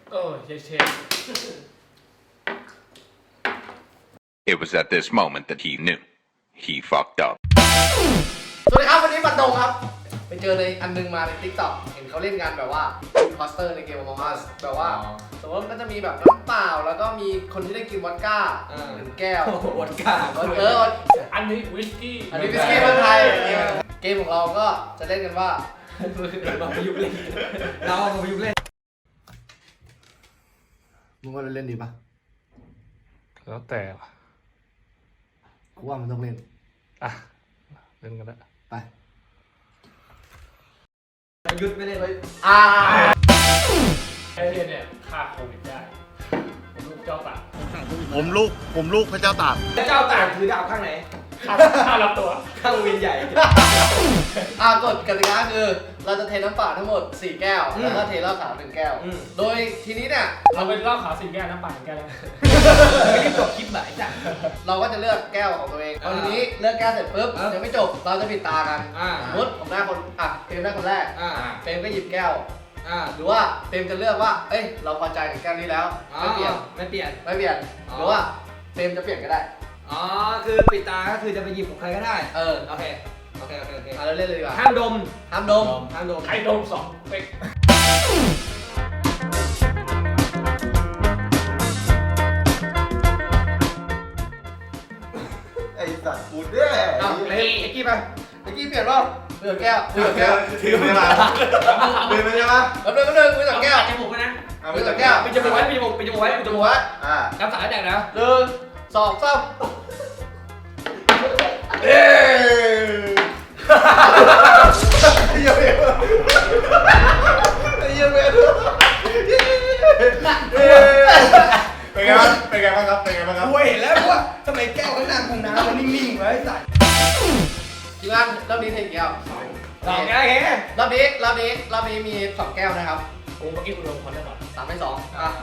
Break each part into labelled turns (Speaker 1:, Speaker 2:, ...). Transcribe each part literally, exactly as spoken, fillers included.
Speaker 1: โอ้เชเช
Speaker 2: It was at this moment that he knew he fucked up.
Speaker 3: สวัสดีครับวันนี้บันดงครับไปเจอในอันนึงมาใน ติ๊กต็อก เห็นเขาเล่นกันแบบว่า imposter ในเกม Among Us แบบว่าสมมติมันก็จะมีแบบน้ำเปล่าแล้วก็มีคนที่ได้กินวอดก้าหนึ่งแก้ว
Speaker 4: วอดก้า
Speaker 3: เออ
Speaker 1: อันนี้วิสกี้
Speaker 3: อันนี้วิสกี้เมืองไทยเกมของเราก็จะเล่นกันว่า
Speaker 4: มาประยุกต์เล่นเราเอามาประยุกต์เล่น
Speaker 3: มึงว่าเล่นดีปะ
Speaker 1: แล้วแต่
Speaker 3: กูว่ามันต้องเล่น
Speaker 1: อ่ะเล่นกันแล้ว
Speaker 3: ไป
Speaker 4: ประยุทธ์ไม่เล่นเลย
Speaker 3: อ่า
Speaker 1: ไอ้เนี่ยเนี่ยฆ่าโควิดได้ผมลูกเจ้าตาก
Speaker 5: ผมลูกผมลูกพระเจ้าตาก
Speaker 4: เจ้าตากถือดาบข้างไหน
Speaker 1: ฆ่าฆ่ารับตัว
Speaker 4: ข้างวินใหญ่
Speaker 3: อ่ากฎกติกาคือเราจะเทน้ำเปล่าทั้งหมดสี่แก้ว
Speaker 4: อืม
Speaker 3: แล้วก็เทเหล้าขาวหนึ่งแก้ว
Speaker 4: อืม
Speaker 3: โดยทีนี้เนี่ย
Speaker 1: เราเป็นเหล้าขาวสี่แก้วน้ำปั่นแก้วแล้ว
Speaker 4: ไม่ได้จบคลิปไหนจ้ะ
Speaker 3: เราก็จะเลือกแก้วของตัวเองพอ
Speaker 4: อ่า
Speaker 3: ทีนี้เลือกแก้วเสร็จปุ๊บ
Speaker 4: อ่ายั
Speaker 3: ยังไม่จบเราจะปิดตากัน
Speaker 4: อ่า
Speaker 3: สมมติผมได้คนอ่ะเฟรมได้คนแรก
Speaker 4: อ่า
Speaker 3: เฟรมก็หยิบแก้ว
Speaker 4: อ่า
Speaker 3: หรือว่าเฟรมจะเลือกว่าเอ้ยเราพอใจกับแก้วนี้แล้วไม่เปลี่ยน
Speaker 4: ไม่เปลี่ยน
Speaker 3: ไม่เปลี่ยน
Speaker 4: อ๋อ
Speaker 3: หรือว่าเฟรมจะเปลี่ยนก็ได้
Speaker 4: อ๋อคือปิดตาก็คือจะไปหยิบของใครก็ได้
Speaker 3: เออ
Speaker 4: โอเคโอเคโอเคโอเค
Speaker 3: เอาเราเล่นเลยดีกว่า
Speaker 4: ห้ามดม
Speaker 3: ห้ามดม
Speaker 4: ห้ามดม
Speaker 1: ใครโดนสองเป๊ก
Speaker 5: ไอ้สัตว์กูเนี่ย
Speaker 3: เอาเล่นเอ็กกี้ไปเอ็กกี้เปลี่ยนรอบเปลี่ยนแก้วเปลี่ยนแก้ว
Speaker 5: ถือไม่มาถือไม่ใช่ปะ
Speaker 3: แล้วเดินก็เดินคุยกับแก้ว
Speaker 4: จมูกนะ
Speaker 5: เอา
Speaker 3: คุ
Speaker 5: ไป
Speaker 3: ย
Speaker 5: จั
Speaker 3: กั
Speaker 5: บบ แก้
Speaker 3: แก้
Speaker 5: ว
Speaker 3: ว
Speaker 4: ปิดจมูกไว้ปิดจมูกปิดจมูกไว้ปิดจ
Speaker 3: จ
Speaker 4: มู
Speaker 3: มู
Speaker 4: ก
Speaker 3: ก
Speaker 4: ไว้
Speaker 3: ไว้
Speaker 5: อ่า
Speaker 4: น้ำสายแดกนะ
Speaker 3: หนึ่งสองสามเอ้
Speaker 5: เยี่ยมเยี่ยมเยี่ยมเยี่ยมเป็นไงบ้างเป็นไงบ้างครับเป็นไงบ้างครับ
Speaker 4: กูเห็นแล้วว่าทำไมแก้วข้างหน้าของน้ำมันนิ่งๆไว้ไอ้สัตว์
Speaker 3: ทีมงานรอบนี้เทกี่แก้ว
Speaker 4: สองแก้วแค่
Speaker 3: รอบนี้รอบนี้รอบนี้มีสองแก้วนะครับ
Speaker 1: กูเมื่อกี้กูโดนคนได้ก่อน
Speaker 3: สามในสอง
Speaker 4: อ่ะ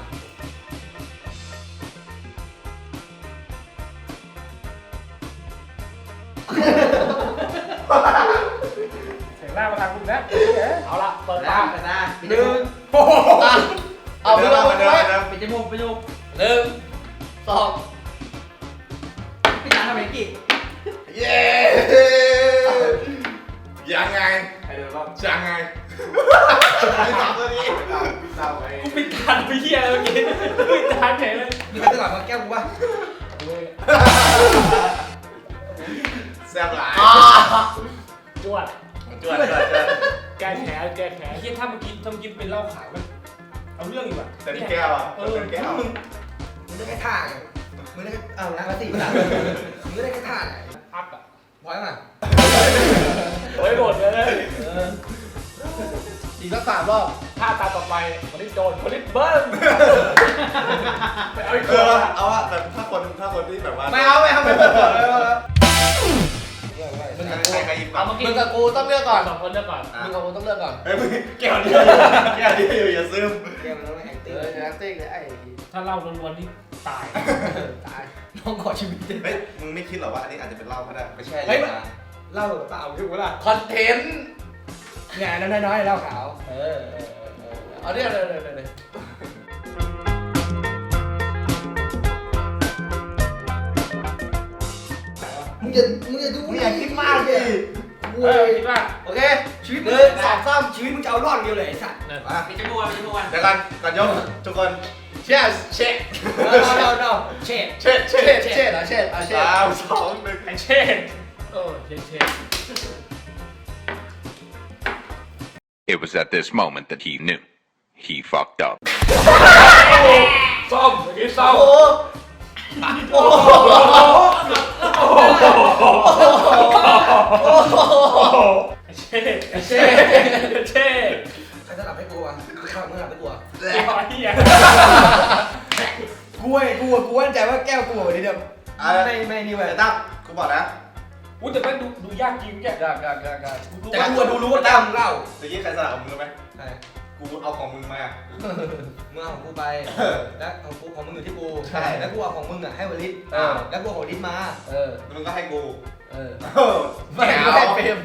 Speaker 1: เสียงหน้ามาทางกูนะเอาละเปิด
Speaker 4: ตา
Speaker 1: ตา
Speaker 4: ตาหนึ่งโอ้
Speaker 3: อ่ะเอามือลง
Speaker 5: มาเดิน
Speaker 3: ไว้
Speaker 5: มาเดิน
Speaker 4: ปิดจมูกปิดจมูก
Speaker 3: หนึ่งสอง
Speaker 4: พี่ตาทำไมกี่
Speaker 5: เย้ยังไง
Speaker 1: ใครเดินรอบ
Speaker 5: ยังไงไม่ตามตัวนี้ตามไป
Speaker 1: กูปิดตาไปเหี้ยเลยเมื่อกี้ปิดตาเฉยเลย
Speaker 4: มีใครตลอดมาแก้วกูป่ะ
Speaker 5: แซ่บหลาย
Speaker 3: อ่า
Speaker 1: จวด
Speaker 5: จวดจวดจวด
Speaker 1: แก้แผลแก้แผลเฮียถ้าเมื่อกี้ถ้าเมื่อกี้เป็นเหล้าขาวมันเอาเรื่องอยู่อะ
Speaker 5: แต่นี่แก้วอ่ะ
Speaker 1: เออ
Speaker 5: เป็นแก้ว
Speaker 4: มึงมึงได้แค่ท่าไงมึงได้แค่เอาน้ำมาสี่ละมึงได้แค่ท่าไหน
Speaker 1: อัพอะ
Speaker 4: พอยมั้ย
Speaker 1: โอ้ยโดดเลย
Speaker 3: อีกสักสามรอบ
Speaker 1: ถ้าตาต่อไปคนที่โดนคนที่เบิ้ลไปเอาอีก
Speaker 5: เอ
Speaker 1: ตัว
Speaker 5: อเอาอะแต่ถ้าคนถ้าคนที่แบบว่า
Speaker 3: ไม่เอาไม่เอาไม่เอาไม่เอา
Speaker 5: มึงใครใครหยิบก่อ
Speaker 1: เอา
Speaker 5: น
Speaker 1: เมื่อกี้
Speaker 3: มึงกับกูต้องเลือกก่อน
Speaker 1: สองคนเลือกก่อน
Speaker 3: มึงกับกูต้องเลือกก่อน
Speaker 5: เฮ้ยมึงแก้วนี้แก้วนี้อยู่อย่าซึม
Speaker 4: แก้วมันต้องแอค
Speaker 3: เอ
Speaker 4: ติ้ง
Speaker 3: อจะนักติ้งเลยไอ้
Speaker 1: ถ้าเล่าล้วนๆนี่ตาย
Speaker 3: ตาย
Speaker 4: น้องขอชีวิต
Speaker 5: เฮ้ยมึงไม่คิดหรอว่าอันนี้อาจจะเป็นเหล้าก็ได้ไม่ใช่
Speaker 4: เฮ้ยเล่าเปล่าถูกปะล่ะ
Speaker 3: คอนเทนต์
Speaker 4: งานน้อยๆเล่าขาว
Speaker 3: เออเออเออเอาเนี่ยเลยเลยเลย
Speaker 4: มึงอย่ามึงอย่าดู
Speaker 5: มึงอย่าคิดมากดิ
Speaker 1: เออคิดว่า
Speaker 3: โอเค
Speaker 4: ชีวิต
Speaker 3: ห
Speaker 4: มึง
Speaker 3: นึ่งสองสาม
Speaker 4: ชีวิตมึงจะเอารอดเดียวเลยไอ้สัตว์
Speaker 1: เนี่ย
Speaker 5: มา
Speaker 4: ปิดจมูกปิดจมูก
Speaker 5: เดี๋ยวกันก่อนยกทุกคน
Speaker 3: เช็ดเช็ด
Speaker 4: no no no เช็ด
Speaker 3: เช็ดเช็ดเช็ดอ่ะเช็ดอ่ะเช็ด
Speaker 5: สามสองหนึ่ง
Speaker 1: ไอเช่นโอ้เช่นเช่น
Speaker 2: It was at this moment that he knew he fucked up.
Speaker 1: ซ่อมเมื่อกี้ซ่อ
Speaker 3: โอ้
Speaker 1: ม
Speaker 3: โหโอ้โห
Speaker 1: ไอเช่น
Speaker 3: เช็ด
Speaker 1: เช่น
Speaker 4: ใครจะหลับให้กูวะข้าวมึงหลับให้กูวะ
Speaker 1: ไอ้เหี้ย
Speaker 4: กูไอ้กูกูมั่นใจว่าแก้วกูเดี๋ยว
Speaker 5: อ่ะ
Speaker 4: ไม่ไม่นี่เว้ย
Speaker 5: ไอ้ตั้มกูบอกนะ
Speaker 1: อุ้ยแต่แม่งดูดูยากจริงแก
Speaker 3: กากากากา
Speaker 4: แต่กูดูรู้ว่าตั้มเล่า
Speaker 5: ตะกี้ใครสลับกับมึงรู้ไหม
Speaker 4: ใช่
Speaker 5: กูเอาของมึงมา
Speaker 4: มึงเอาของกูไป แล้วของกูของมึงอยู่ที่กู
Speaker 3: ใช่
Speaker 4: แล้วกูเอาของมึงอ่ะให้วลิศ
Speaker 3: เออ
Speaker 4: แล้วกูเอาของลิศมา
Speaker 3: เออ
Speaker 5: แล้วมึงก็ให้กู
Speaker 3: เออ
Speaker 5: เออ
Speaker 3: ไม่ไม่เฟรม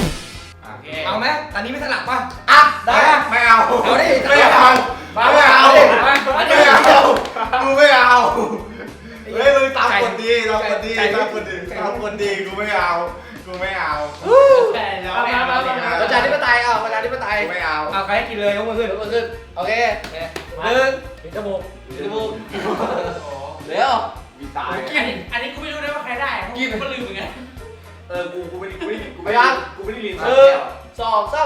Speaker 5: อ่ะ
Speaker 4: เอาไหมตอนนี้ไม่สลับป่ะ
Speaker 3: อ่ะได้
Speaker 5: ไม่เอา
Speaker 4: เอาดิ
Speaker 5: ไม่เอาไม่เอา
Speaker 3: เค
Speaker 1: มา
Speaker 3: หนึ่ง
Speaker 1: ปิดจมูก
Speaker 3: จมูกเร็ว
Speaker 5: มีตาย
Speaker 1: อันนี้อันนี้กูไม่รู้นะว่าใครได้กินก็ลืมเหมือนกัน
Speaker 5: เออกูกูไม่ได้กูไม่ได้กู
Speaker 3: ไป
Speaker 5: ไม่
Speaker 3: ยั
Speaker 5: ได้
Speaker 3: ง
Speaker 5: กูไม่ได้ลิ้น
Speaker 3: หนึ่งสองสาม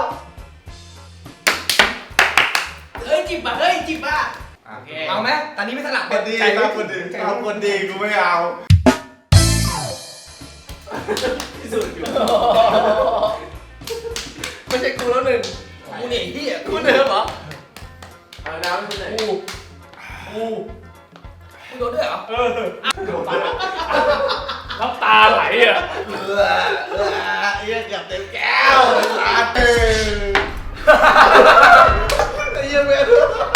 Speaker 1: เฮ้ยจิบอ่ะเฮ้ยจิบอ่ะ
Speaker 5: โอเค
Speaker 4: เอาไหมตอนนี้ไม่สลับ
Speaker 5: คนดี
Speaker 4: ใจ
Speaker 5: ครับคนดีครับคนดีกูไม่เอาที่สุดอยู่
Speaker 3: ไม่ใช่กูแล้วหนึ่ง
Speaker 4: กูเนี่ยที่อ่ะ
Speaker 3: กูเดิมเหรอ
Speaker 5: เอาน้ำขึ้นไหน
Speaker 3: กูกู
Speaker 4: มึงโดนด้วยเหรอ
Speaker 1: เออน้ำตาไหลอ่ะ
Speaker 5: เออเออเยี่ยเกือบเต็มแก้วลาเต้ไอ้เยี่ยเว้ย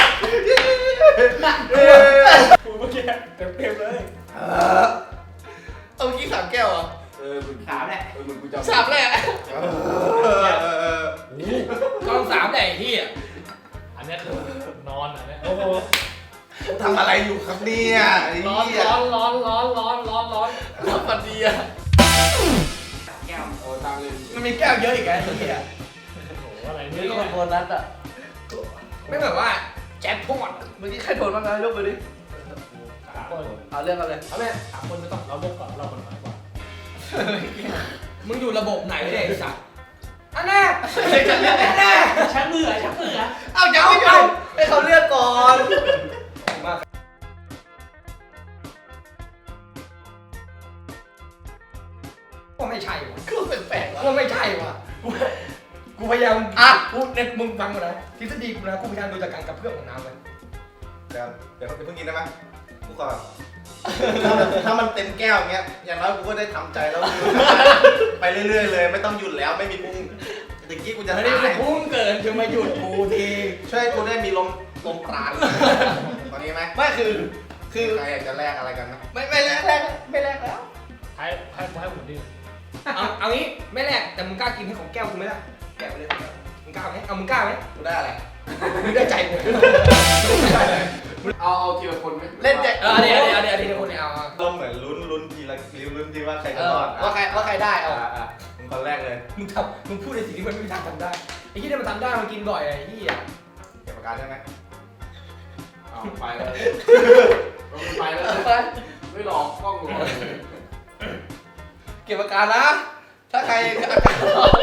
Speaker 1: กูเมื่อกี้เต็มเต็มเลย
Speaker 3: เอาเมื่อกี้สามแก้วเหรอ
Speaker 5: เออมึงสามแหละเออมึงกูจำ
Speaker 3: สามแหละ
Speaker 5: เออเออ
Speaker 4: กองสามแต่ไอ้ที่อ่ะ
Speaker 1: อันนี้คือนอนอันนี้โอ้โห
Speaker 5: ทำอะไรอยู่ครับเนี่ยไอ้
Speaker 1: ร้อน
Speaker 5: เหี้ย
Speaker 1: ร้อนร้อนร้อนร้อนร้อนร้อน
Speaker 3: ทำมันดีอะ
Speaker 1: แก้ว
Speaker 5: โอ้ตามเลย
Speaker 4: มันมีแก้วเยอะอีกไงไอ้ที่อ่ะ
Speaker 1: โอ้โหอะไร
Speaker 3: นี่
Speaker 1: เนี่ย
Speaker 3: ก็โบนัสอะ
Speaker 4: ไม่แบบว่าแจ็คพอต
Speaker 3: เมื่อกี้ใครโดนบ้างนะยกมือดิ
Speaker 1: สามคน
Speaker 3: เอาเรื่องกันเลยเอาแม่
Speaker 1: สามคนไม่ต้องเราบุกก่อนเราคนน้อยกว่า
Speaker 4: มึงอยู่ระบบไหนเนี่ยไอ้สัตว์อันแน่
Speaker 3: ฉันเลือก
Speaker 4: อันแน่
Speaker 1: ชักมือชักมือ
Speaker 3: เอาเดี๋ยวไม่เอาให้เขาเลือกก่อน
Speaker 4: มาก็ไม่ใช่ว่ะ
Speaker 3: ก็แปลกๆวะ
Speaker 4: ก็ไม่ใช่ว่ะกูกูพยายามอ่ะกูเนี่ยมึงฟังกูนะทฤษฎีกูนะกูพยายามดูจากการกระเพื่อมของน้ำเลย
Speaker 5: เดี๋ยวเดี๋ยวเพิ่งกินได้ไหมกูก่อนถ้ามันถ้ามันเต็มแก้วอย่างเงี้ยอย่างน้อยกูก็ได้ทำใจแล้วไปเรื่อยๆเลยไม่ต้องหยุดแล้วไม่มีพุ่งตะกี้กูจะ
Speaker 4: ไม่
Speaker 5: ตา
Speaker 4: ได้
Speaker 5: ย
Speaker 4: พุ่งเกินจะมาหยุดกูที
Speaker 5: ช่วยกูได้มีลมลมปราณตอนนี้ไหม
Speaker 3: ไม่คือ คือ
Speaker 5: ใครอยากจะแลกอะไรกันนะ
Speaker 3: ไม่ไม่แลกแลกไม่แลกแล้ว
Speaker 1: ให้ให้ให้ผมดิ
Speaker 4: เอาเอางี้ไม่แลกแต่มึงกล้ากินให้ของแก้วกูไหมล่ะแกะไปเลยมึงกล้าไหมเอามึงกล้าไหม
Speaker 5: กูได้อะไร
Speaker 4: มึงได้ใจกู
Speaker 5: เอาเอาทีละคนไหม
Speaker 3: เล่นแจก
Speaker 4: เออเดี๋ยวเดี๋ยวเดี๋ยวเดี๋ยวคนเนี่ยเอา
Speaker 5: เราเหมือนลุ้นลุ้นทีละลุ้นทีว่าใคร
Speaker 3: เอ
Speaker 5: จะ
Speaker 3: อ
Speaker 5: รอด
Speaker 3: ว่าใครว่าใครได้เอา
Speaker 5: อ่ะอ่ะมึงคนแรกเลย
Speaker 4: มึงทำมึงพูดในสิ่งที่มันไม่มีทางทำได้ไอ้ที่เนี่ยมันทำได้มันกินบ่อยไอ้ที่อ่ะ
Speaker 5: เก็บปากกาใช่ไหมเอาไปเลยไปเลย
Speaker 3: ไป
Speaker 5: ไม่หลอกกล้องหลอก
Speaker 3: เก็บอาการนะ ถ้าใครอาการร้อน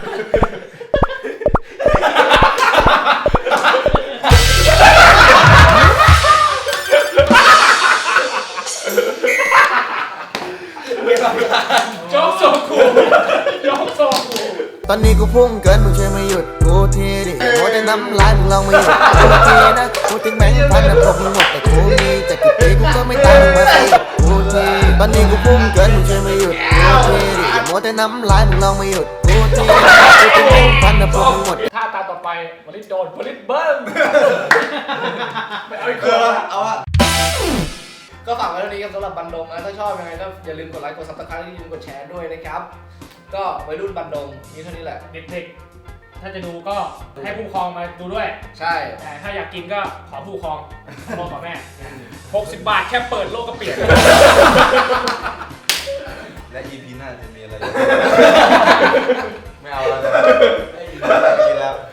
Speaker 1: โจ๊กโซคูโจ๊กโซคู
Speaker 6: ตอนนี้กูพุ่งเกินมึงช่วยมาหยุดกูทีดิโมแต่น้ำลายมึงลองมาหยุดกูทีนะกูถึงแบงค์พันนะตกมึงหมดแต่กูมีแต่กี่ปีกูก็ไม่ตายมึงมาสิกูทีตอนนี้กูพุ่งเกินมึงช่วยมาหยุดกูทีดิโมแต่น้ำลายมึงลองมาหยุดกูทีนะกูถึงแบงค์พันนะตกมึงหมด
Speaker 1: ถ้าตาต่อไปวลิตโดนวลิตเบิ้มไม่เอาอีก
Speaker 5: เอ
Speaker 1: คน
Speaker 5: อ
Speaker 1: ละ
Speaker 5: เอาอะ
Speaker 3: ก็ฝากไว้เท่านี้ครับสำหรับบันดงนะ ถ้าชอบยังไงก็อย่าลืมกดไลค์ กดซับสไครต์อย่าลืมกดแชร์ด้วยนะครับ ก็วัยรุ่นบันดงมีเท่านี้แหละ
Speaker 1: เด็กๆ ถ้าจะดูก็ให้ผู้ปกครองมาดูด้วย
Speaker 3: ใช่
Speaker 1: แต่ถ้าอยากกินก็ขอผู้ปกครองพ่อกับแม่หกสิบบาทแค่เปิดโลกก็เปลี่ยน
Speaker 5: และ อี พี หน้าจะมีอะไร ไม่เอาแล้วเลยไม่กินแล้ว